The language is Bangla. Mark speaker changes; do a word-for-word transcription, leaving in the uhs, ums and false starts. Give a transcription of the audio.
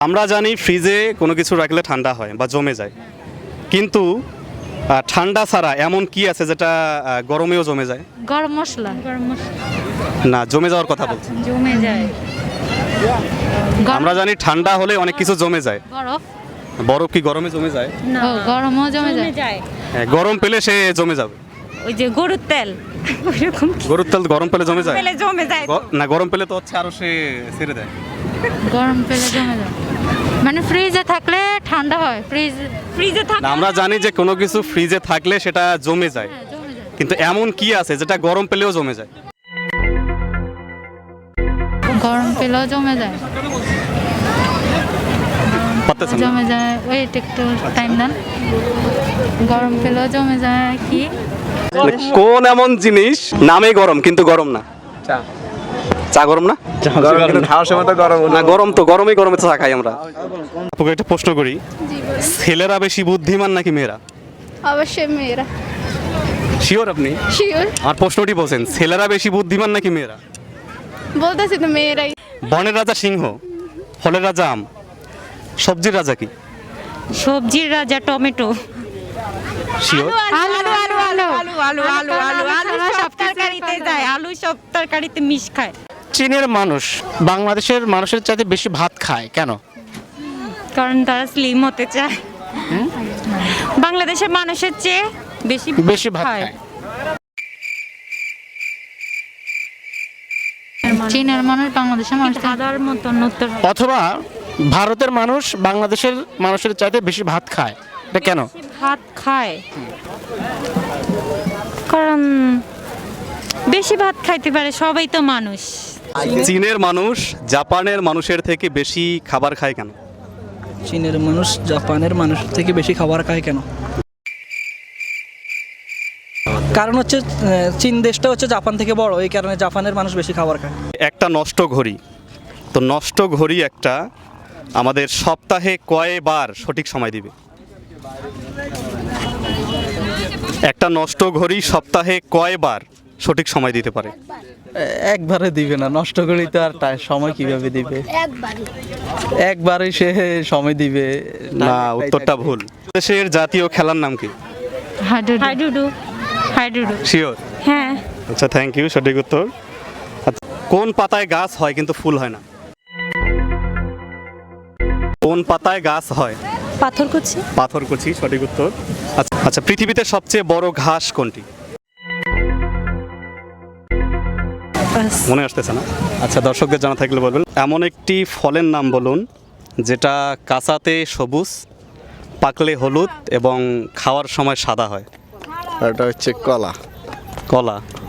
Speaker 1: আমরা জানি ফ্রিজে কোনো কিছু রাখলে ঠান্ডা হয় বা জমে যায়, কিন্তু আহ, ঠান্ডা ছাড়া এমন কি আছে যেটা আহ, গরমেও জমে যায়?
Speaker 2: গরম মশলা গরম মশলা
Speaker 1: না, জমে যাওয়ার কথা বলছি।
Speaker 2: জমে যায়।
Speaker 1: আমরা জানি ঠান্ডা হলে অনেক কিছু জমে যায়।
Speaker 2: বরফ
Speaker 1: বরফ কি গরমে জমে যায়?
Speaker 2: ও গরমও জমে যায়।
Speaker 3: যায়
Speaker 1: হ্যাঁ, গরম পেলে সে জমে যাবে।
Speaker 3: ওই যে গরুর তেল ওরকম
Speaker 1: গরুর তেল গরম পেলে জমে যায়?
Speaker 3: পেলে জমে যায়
Speaker 1: গ- না, গরম পেলে তো হচ্ছে আরো সে ছেড়ে দেয়।
Speaker 2: গরম পেলে জমে যায় মানে ফ্রিজে থাকলে ঠান্ডা হয়। ফ্রিজ
Speaker 3: ফ্রিজে
Speaker 1: না,
Speaker 3: থাকে
Speaker 1: আমরা জানি যে কোনো কিছু ফ্রিজে থাকলে সেটা জমে যায়,
Speaker 2: হ্যাঁ জমে যায়।
Speaker 1: কিন্তু এমন কি আছে যেটা গরম পেলেও জমে যায়?
Speaker 2: গরম পেলেও জমে যায়।
Speaker 1: পারতেছেন না?
Speaker 2: জমে যায় ওয়েট একটু টাইম দেন। গরম পেলেও জমে যায় কি?
Speaker 1: মানে কোন এমন জিনিস নামে গরম কিন্তু গরম না?
Speaker 4: চা
Speaker 1: চা গরম না?
Speaker 4: গরম কিন্তু খাওয়ার সময় তো গরম
Speaker 1: না, গরম তো, গরমই গরমে তো চা খাই আমরা। আপনাকে একটা প্রশ্ন করি, ছেলেরা বেশি বুদ্ধিমান নাকি মেয়েরা?
Speaker 5: অবশ্যই মেয়েরা।
Speaker 1: শিওর আপনি?
Speaker 5: শিওর
Speaker 1: আর প্রশ্নটি বলছেন, ছেলেরা বেশি বুদ্ধিমান নাকি মেয়েরা?
Speaker 5: বলতেছি তো মেয়েরাই।
Speaker 1: বনের রাজা সিংহ, ফলের রাজা আম, সবজির রাজা কি?
Speaker 3: সবজির রাজা টমেটো।
Speaker 1: শিওর?
Speaker 3: আলু আলু আলু আলু আলু আলু আলু আলু সব তরকারিতে যায়, আলু সব তরকারিতে মিশ খায়।
Speaker 4: চীনের মানুষ বাংলাদেশের মানুষের চাইতে বেশি ভাত খায় কেন?
Speaker 3: কারণ তারা স্লিম হতে চায়। বাংলাদেশের মানুষের চেয়ে বেশি
Speaker 4: বেশি ভাত খায়।
Speaker 2: চীনের মানুষ বাংলাদেশের মানুষ
Speaker 3: ধাঁধার মতন উত্তর হবে।
Speaker 4: অথবা ভারতের মানুষ বাংলাদেশের মানুষের চাইতে বেশি ভাত খায়, এটা কেন?
Speaker 3: ভাত খায় কারণ বেশি ভাত খাইতে পারে, সবাই তো মানুষ।
Speaker 1: চীনের মানুষ জাপানের মানুষের থেকে বেশি খাবার খায় কেন?
Speaker 6: চীনের মানুষ জাপানের মানুষের থেকে বেশি খাবার খায় কেন? কারণ হচ্ছে আহ, চীন দেশটা হচ্ছে জাপান থেকে বড়, এই কারণে জাপানের মানুষ বেশি খাবার খায়।
Speaker 1: একটা নষ্ট ঘড়ি, তো নষ্ট ঘড়ি একটা আমাদের সপ্তাহে কয়বার সঠিক সময় দিবে? একটা নষ্ট ঘড়ি সপ্তাহে কয়বার সঠিক সময় দিতে পারে?
Speaker 6: একবারে দিবে না, নষ্ট করি তো আর তাই সময় কিভাবে দিবে? একবারে সে সময় দিবে
Speaker 1: না, উত্তরটা ভুল। দেশের জাতীয় খেলার নাম কি?
Speaker 2: হাডুডু
Speaker 3: হাইডুডু হাইডুডু
Speaker 1: শিওর?
Speaker 3: হ্যাঁ।
Speaker 1: আচ্ছা, থ্যাংক ইউ, সঠিক উত্তর। আচ্ছা, কোন পাতায় গাছ হয় কিন্তু ফুল হয় না? কোন পাতায় গাছ হয়?
Speaker 3: পাথরকুচি।
Speaker 1: পাথরকুচি, সঠিক উত্তর। আচ্ছা আচ্ছা, পৃথিবীতে সবচেয়ে বড় ঘাস কোনটি? মনে আসতেছে না? আচ্ছা, দর্শকদের জানা থাকলে বলবেন। এমন একটি ফলের নাম বলুন যেটা কাঁচাতে সবুজ, পাকলে হলুদ এবং খাওয়ার সময় সাদা হয়।
Speaker 7: এটা হচ্ছে কলা।
Speaker 1: কলা?